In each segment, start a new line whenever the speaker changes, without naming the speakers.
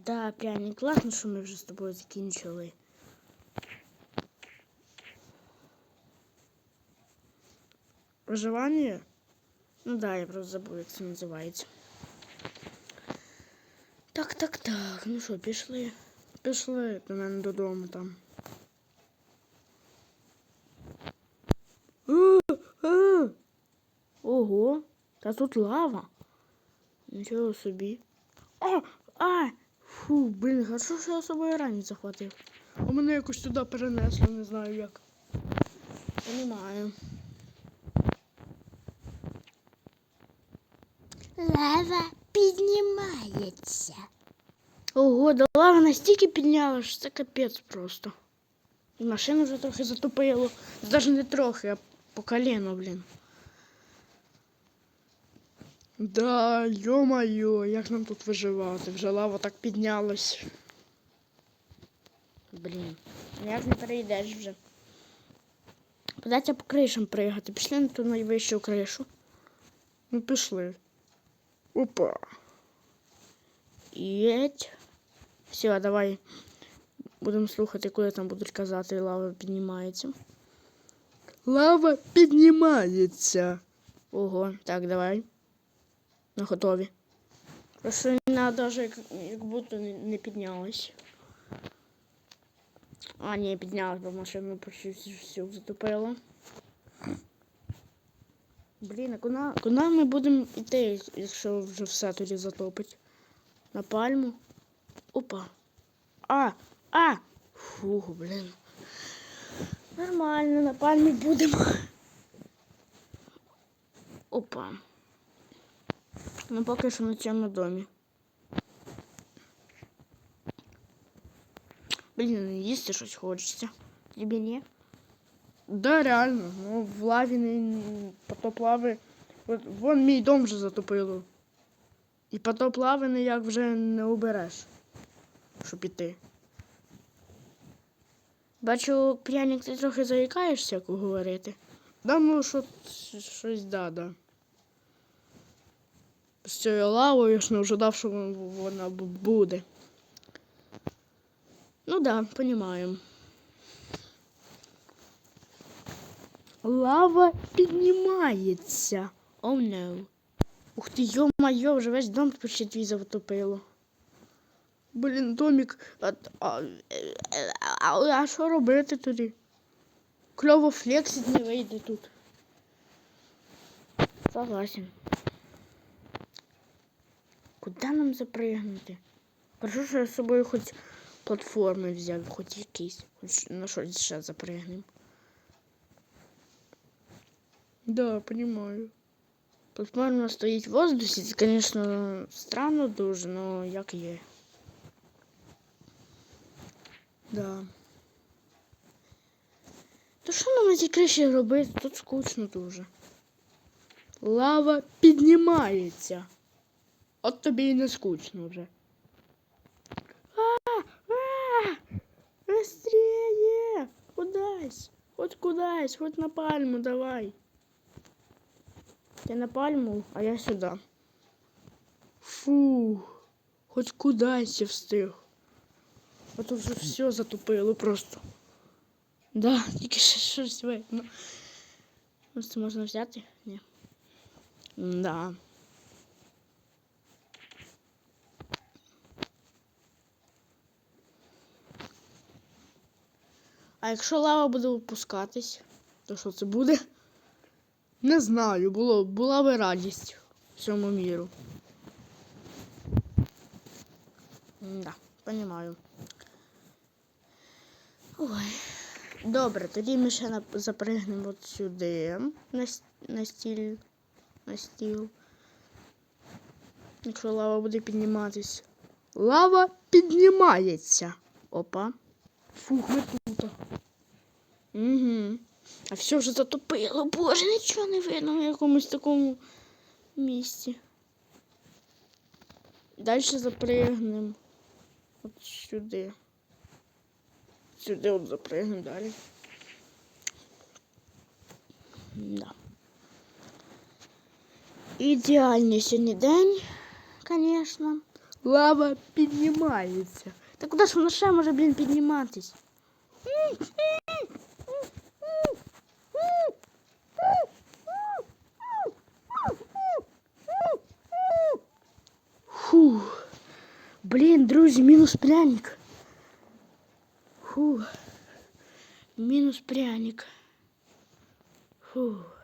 Да, пряник, класно, що ми вже з тобою закінчили. Виживання? Ну да, я просто забув, як це називається. Так. Ну що, пішли? Пішли до мене додому там. Ого, та тут лава. Нічого собі. Фу, блін, хорошо, що я з собою ранець захватив. А мене якось туди перенесло, не знаю як. Понімаю.
Лава піднімається.
Ого, да лава настільки підняла, що це капець просто. І машину вже трохи затопило. Навіть не трохи, а по коліно, блін. Да, йо-моє, як нам тут виживати? Вже лава так піднялась. Блін, як не перейдеш вже. Податься по кришам пригати. Пішли на ту найвищу кришу. Ну, пішли. Опа. Єть. Все, давай будемо слухати, куди там будуть казати, лава піднімається. Лава піднімається. Ого, так, давай. На готові. Просто вона навіть як будто не піднялась. А, ні, піднялась, бо машину почти всю затопило. Блін, а куди ми будемо йти, якщо вже все тоді затопить? На пальму? Опа. Фух, блін. Нормально, на пальмі будемо. Опа. Ну, поки що на цьому домі. Блін, їсти щось хочеться. Тобі ні? Да, реально. Ну, в лаві не потоп лави. От, вон мій дом вже затопило. І потоп лави ніяк вже не убереш, щоб іти. Бачу, пряник, ти трохи заїкаєшся, як говорити. Да, ну, щось да. З цією лавою я ж не ожидав, що вона буде. Ну да, понімаю. Лава піднімається. Oh no. Ух ти, йо-майо, вже весь дом почти твій затопило. Блін, домик. А що робити тоді? Кльово флексить не вийде тут. Согласен. Куди нам запригнути? Хорошо, що я з собою хоч платформи взяв, хоч якісь. Хоч на щось ще запригнемо. Да, понимаю. Платформа стоїть в воздусі, це, звісно, странно дуже, но як є. Да. То що нам на цій криші робити? Тут скучно дуже. Лава піднімається. От тобі і не скучно вже. Быстрее! Кудась, хоть на пальму давай. Ты на пальму, а я сюда. Фу, хоть кудась я встиг. А то вже все затопило просто. Да, тільки ще щось видно. Ось це можна взяти? Ні. Да. А якщо лава буде опускатись, то що це буде? Не знаю, була би радість всьому міру. Да, понімаю. Ой. Добре, тоді ми ще запригнемо от сюди, на стіл. Якщо лава буде підніматись. Лава піднімається. Опа. Фух, ми тут. Угу. А все вже затопило. Боже, нічого не видно в якомусь такому місці. Далі запригнемо. От сюди. Сюди от запригнемо далі. Да. Ідеальний сьогодні день, звісно. Лава піднімається. Та куди ж вона ще може, блін, підніматись? Фух. Блін, друзі, мінус пряник. Фух. Мінус пряник. Фух.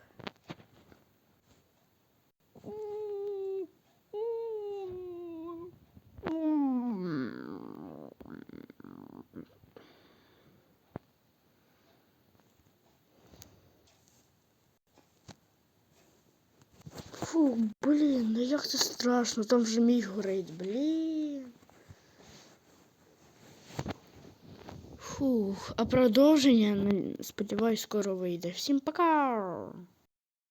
Фу, блін, ну як це страшно, там вже мій горить, блін. Фух, а продовження, сподіваюсь, скоро вийде. Всім пока!